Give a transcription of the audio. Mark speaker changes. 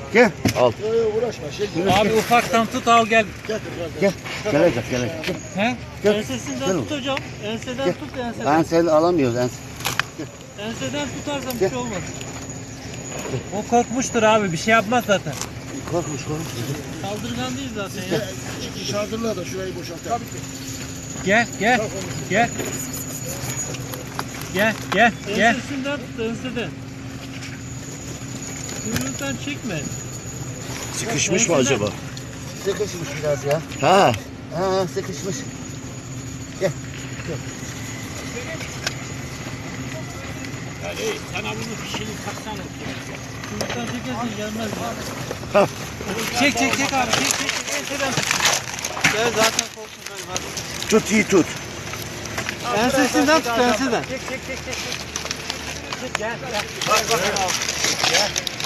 Speaker 1: Gel. Al.
Speaker 2: Uğraşma.
Speaker 3: Abi ufaktan tut al gel.
Speaker 1: Gel. Gelecek.
Speaker 3: He?
Speaker 1: Gel.
Speaker 4: Ensesinden
Speaker 1: Gel.
Speaker 4: tut hocam. Enseden
Speaker 1: Gel.
Speaker 4: tut enseden.
Speaker 1: Ben seni alamıyoruz.
Speaker 4: Enseden tutarsan bir şey olmaz.
Speaker 3: O korkmuştur abi bir şey yapmaz zaten.
Speaker 1: Korkmuş.
Speaker 4: Saldırgan değil zaten ya.
Speaker 2: Şardırla da şurayı boşalt. Tabii ki.
Speaker 3: Gel. Gel.
Speaker 4: Ensesinden tut enseden. Kuyruğundan çekme.
Speaker 1: Sıkışmış mı acaba? Sıkışmış biraz ya. Ha, sıkışmış. Gel.
Speaker 3: Sana bunu fişini taksana.
Speaker 4: Kuyruğundan çekersin gelmez
Speaker 1: Ha.
Speaker 3: Çek abi çek. Enseden tut.
Speaker 4: Gel zaten korktum ben.
Speaker 1: Tut iyi tut.
Speaker 4: Ensesinden tut enseden.
Speaker 3: Çek. Gel.